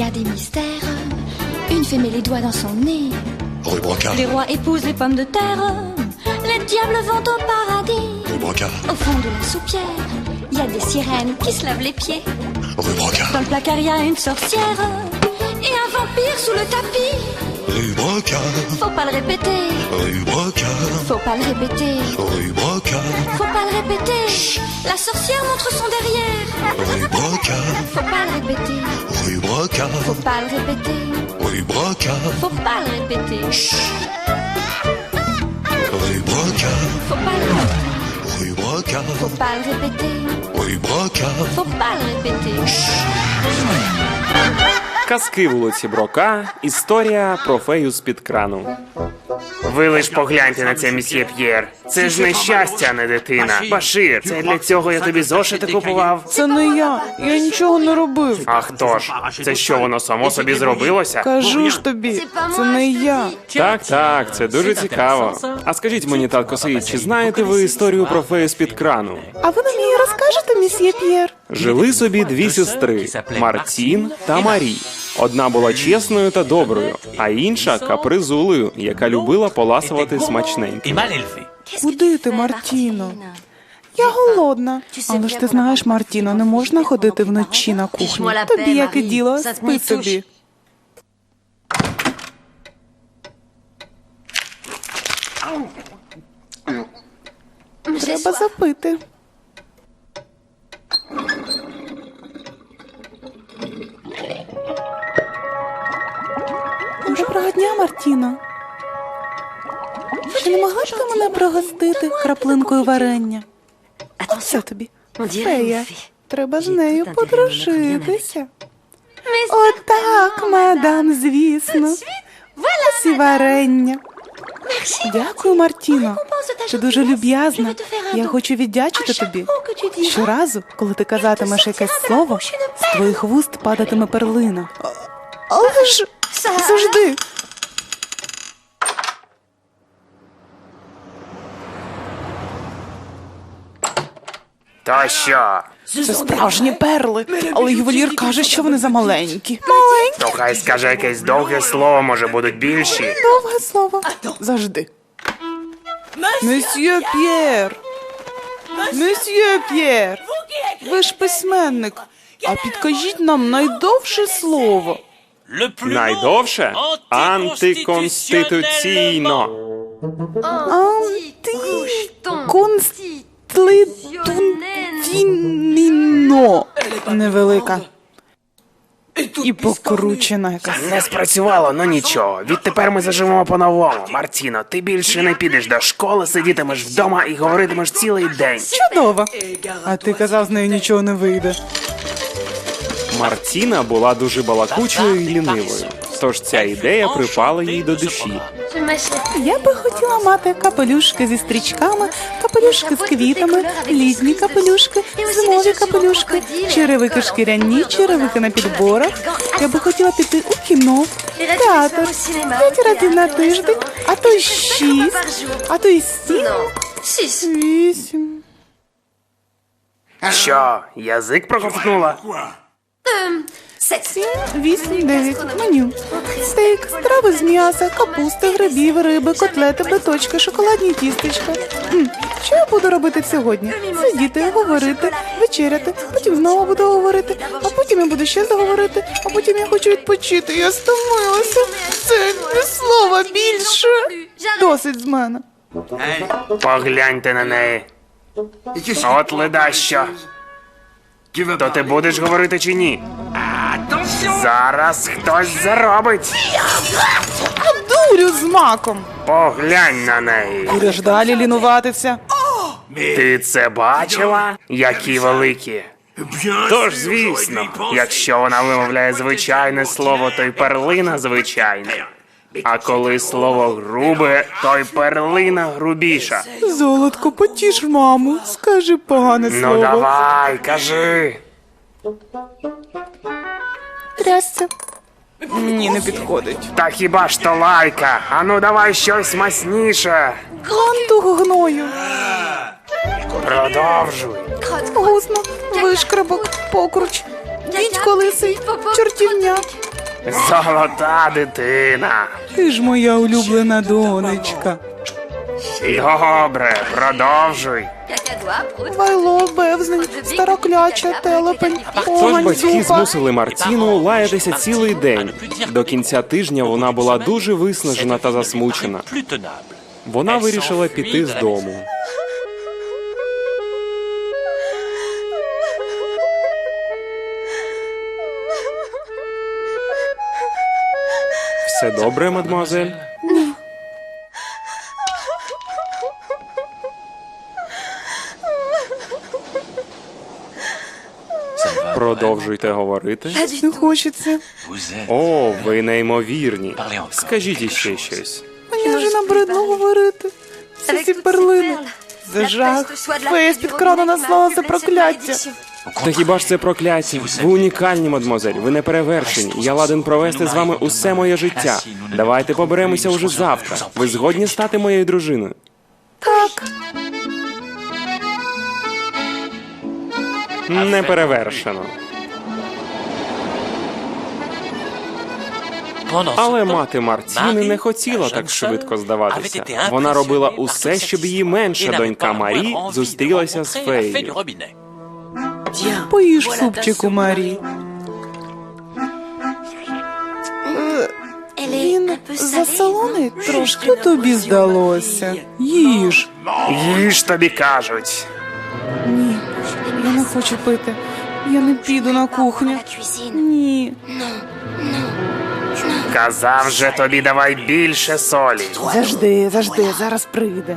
a des mystères. Une fée met les doigts dans son nez. Rue Brocard. Les rois épousent les pommes de terre. Les diables vont au paradis. Rue Brocard. Au fond de la soupière, il y a des sirènes qui se lavent les pieds. Rue Brocard. Dans le placard, il y a une sorcière et un vampire sous le tapis. Rue Brocard. Faut pas le répéter. Rue Brocard. Faut pas le répéter. Rue Brocard. Faut pas le répéter. La sorcière montre son derrière. Rue Brocard. Faut pas le répéter. Rue Brocard. Faut pas le répéter. Rue Brocard. Faut pas le répéter. Rue Brocard. Faut pas le répéter. Rue Brocard. Faut pas le répéter. Rue Brocard. Faut pas le répéter. Казки вулиці Брока. Історія про фею з-під крану. Ви лиш погляньте на це, мсьє П'єр. Це ж не щастя, а не дитина. Башир, це для цього я тобі зошити купував. Це не я нічого не робив. А хто ж? Це що, воно само собі зробилося? Кажу ж тобі, це не я. Так, це дуже цікаво. А скажіть мені, татко Саїд, чи знаєте ви історію про фею з-під крану? А ви мені розкажете, мсьє П'єр? Жили собі дві сестри – Мартін та Марі. Одна була чесною та доброю, а інша – капризулею, яка любила поласувати смачненько. Куди ти, Мартіно? Я голодна. Але ж ти знаєш, Мартіно, не можна ходити вночі на кухню. Тобі яке діло, спи собі. Треба запити. Доброго дня, Мартіно. Чи не могла б ти мене пригостити краплинкою варення? Оце тобі. Фея. Треба з нею подружитися. Отак, мадам, звісно. Ось і варення. Дякую, Мартіно. Ти дуже люб'язна. Я хочу віддячити тобі. Щоразу, коли ти казатимеш якесь слово, з твоїх вуст падатиме перлина. Але ж завжди. То що? Це справжні перли, але ювелір каже, що вони замаленькі. То хай скаже якесь довге слово, може будуть більші. Довге слово. Завжди. Месьє П'єр! Месьє П'єр! Ви ж письменник. А підкажіть нам найдовше слово. Найдовше? Антиконституційно. Антиконституційно. Невелика. І покручена якась. Не спрацювало, ну нічого. Відтепер ми заживемо по-новому. Мартіно, ти більше не підеш до школи, сидітимеш вдома і говоритимеш цілий день. Чудово. А ти казав, з нею нічого не вийде. Мартіна була дуже балакучою і лінивою. Тож ця ідея припала їй до душі. Я би хотіла мати капелюшки зі стрічками, капелюшки з квітами, літні капелюшки, зимові капелюшки, черевики шкіряні, черевики на підборах. Я би хотіла піти у кіно, театр, 5 разів на тиждень, а то й 6, а то й 7, 8. Що, язик проковтнула? 7, 8, 9. Меню. Стейк, страви з м'яса, капусти, грибів, риби, котлети, биточки, шоколадні тістечка. Що я буду робити сьогодні? Сидіти, говорити, вечеряти, потім знову буду говорити, а потім я буду ще заговорити, а потім я хочу відпочити. Я стомилася. Це не слова більше. Досить з мене. Погляньте на неї. От ледащо. То ти будеш говорити чи ні? Зараз хтось заробить. Дурю з маком. Поглянь на неї. Будеш далі лінуватися. Ти це бачила? Які великі. Тож, звісно, якщо вона вимовляє звичайне слово, то й перлина звичайна. А коли слово грубе, то й перлина грубіша. Золотко, потіш маму. Скажи погане слово. Ну давай, кажи. Трясся. Мені не підходить. Та хіба ж то лайка? Ану давай щось масніше. Ганту гною. Продовжуй. Гузно, вишкрабок, покруч, дідько лисий, чортівня. Золота дитина. Ти ж моя улюблена донечка. Добре, продовжуй. Вайло, бевзнень, старокляча, телепень, Тож погань, батьки зупа. змусили Мартіну лаятися цілий день. До кінця тижня вона була дуже виснажена та засмучена. Вона вирішила піти з дому. Все добре, мадемуазель? Продовжуйте говорити. Не хочеться. О, ви неймовірні. Скажіть іще щось. Мені вже набридло говорити. Всі ці перлини. Це жах. Фея з-під крану наслала це прокляття. Та хіба ж це прокляття? Ви унікальні, мадемуазель, ви не перевершені. Я ладен провести з вами усе моє життя. Давайте поберемося уже завтра. Ви згодні стати моєю дружиною? Так. Не перевершено. Але мати Мартіни не хотіла так швидко здаватися. Вона робила усе, щоб її менша донька Марі зустрілася з феєю. Поїж супчику, Марі. Він засолоний трошки. Тобі здалося. Їж. Їж, тобі кажуть. Ні, я не хочу пити. Я не піду на кухню. Ні. Казав же тобі, давай більше солі. Завжди, зараз прийде.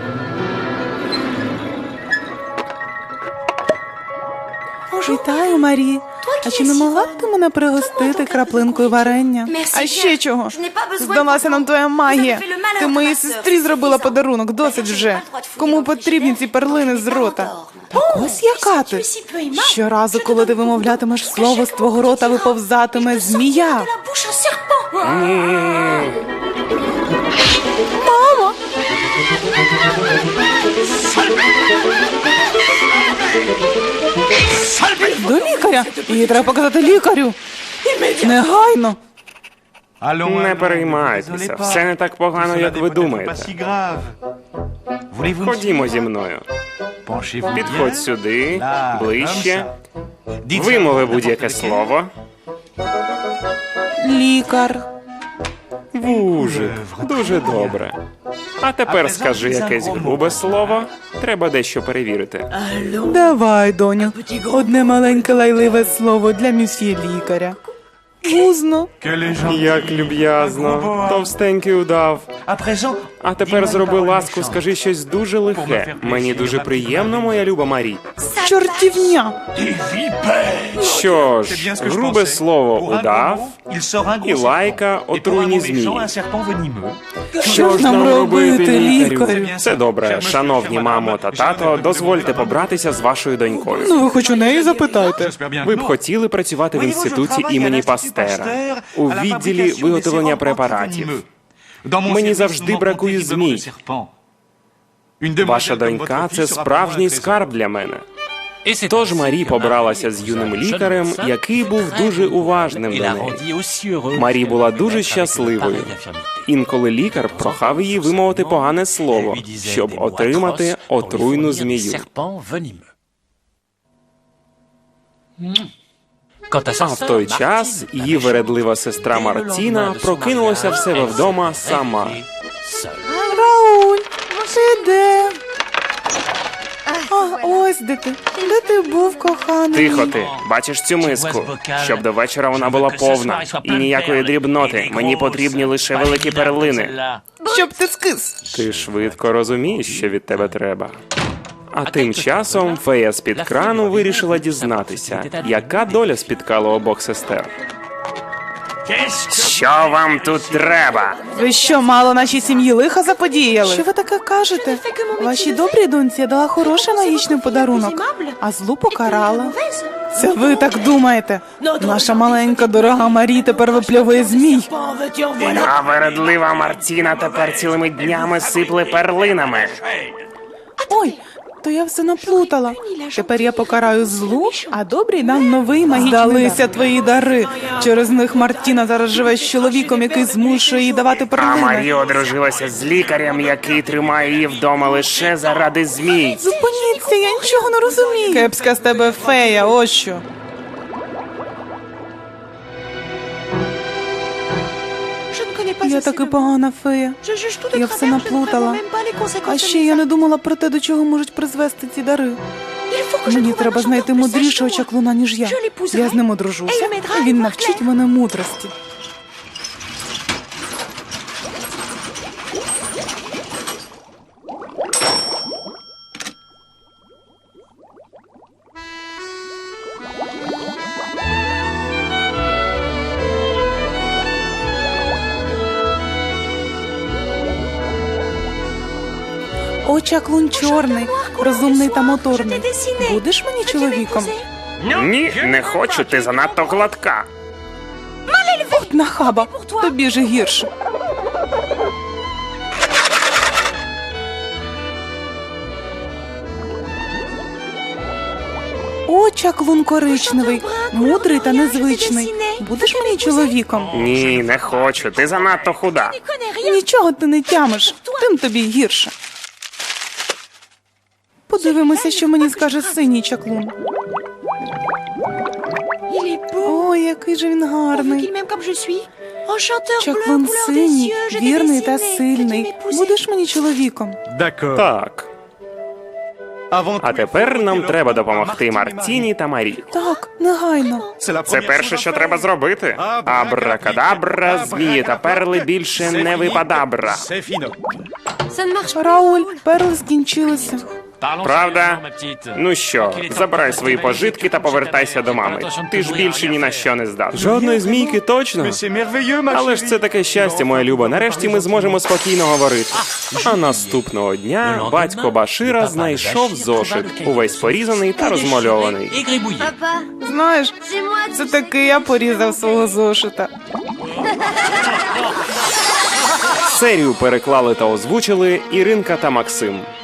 Вітаю, Марі. А чи не могла б ти мене пригостити краплинкою варення? А ще чого? Здалася нам твоя магія. Ти моїй сестрі зробила подарунок, досить вже. Кому потрібні ці перлини з рота? Так ось яка ти. Щоразу, коли ти вимовлятимеш слово, з твого рота виповзатиме змія. Мамо! До лікаря! Її треба показати лікарю! Негайно! Не переймайтеся, все не так погано, як ви думаєте. Ходімо зі мною. Підходь сюди, ближче. Вимови будь-яке слово. Лікар. Вужик. Дуже добре. А тепер скажи якесь грубе слово. Треба дещо перевірити. Давай, доню. Одне маленьке лайливе слово для місьє лікаря. Гузно. Як люб'язно. Товстенький удав. А тепер зроби ласку, скажи щось дуже лихе. Мені дуже приємно, моя люба Марі. Чортівня. Що ж, грубе слово удав і лайка отруйні змії. Що ж нам робити, лікарю? Все добре, шановні мамо та тато, дозвольте побратися з вашою донькою. Ну, ви хоч у неї запитайте. Ви б хотіли працювати в інституті імені Пастера, у відділі виготовлення препаратів. Мені завжди бракує змій. Ваша донька – це справжній скарб для мене. Тож Марі побралася з юним лікарем, який був дуже уважним до неї. Марі була дуже щасливою. Інколи лікар прохав її вимовити погане слово, щоб отримати отруйну змію. А в той час її вередлива сестра Мартіна прокинулася в себе вдома сама. Рауль, ти де? А, ось де ти. Де ти був, коханий? Тихо ти, бачиш цю миску? Щоб до вечора вона була повна. І ніякої дрібноти. Мені потрібні лише великі перлини. Щоб ти скис. Ти швидко розумієш, що від тебе треба. А тим часом фея з-під крану вирішила дізнатися, яка доля спіткала обох сестер. Що вам тут треба? Ви що, мало нашій сім'ї лиха заподіяли? Що ви таке кажете? Вашій добрій доньці я дала хороший магічний подарунок, а злу покарала. Це ви так думаєте? Наша маленька дорога Марі тепер випльовує змій. А вередлива Мартіна тепер цілими днями сипле перлинами. Ой, То я все наплутала. Тепер я покараю злу, а добрий дам новий магічний дар. Здалися твої дари. Через них Мартіна зараз живе з чоловіком, який змушує їй давати А перлини. Марі одружилася з лікарем, який тримає її вдома лише заради змій. Зупиніться, я нічого не розумію. Кепська з тебе фея, ось що. Я таки погана фея. Я все наплутала. А ще я не думала про те, до чого можуть призвести ці дари. Мені треба знайти мудрішого чаклуна, ніж я. Я з ним одружуся, і він навчить мене мудрості. О, чаклун чорний, розумний та моторний. Будеш мені чоловіком? Ні, не хочу, ти занадто гладка. От нахаба, тобі же гірше. О, чаклун коричневий, мудрий та незвичний. Будеш мені чоловіком? Ні, не хочу, ти занадто худа. Нічого ти не тямиш, тим тобі гірше. Подивимося, що мені скаже синій чаклун. О, який же він гарний. Чаклун синій, вірний та сильний. Будеш мені чоловіком? Так. А тепер нам треба допомогти Мартіні та Марі. Так, негайно. Це перше, що треба зробити. Абракадабра, змії та перли більше не випадабра. Рауль, перли скінчилися. Правда? Ну що, забирай свої пожитки та повертайся до мами. Ти ж більше ні на що не здатний. Жодної змійки точно. Але ж це таке щастя, моя люба. Нарешті ми зможемо спокійно говорити. А наступного дня батько Башира знайшов зошит, увесь порізаний та розмальований. Знаєш, це таки я порізав свого зошита. Серію переклали та озвучили Іринка та Максим.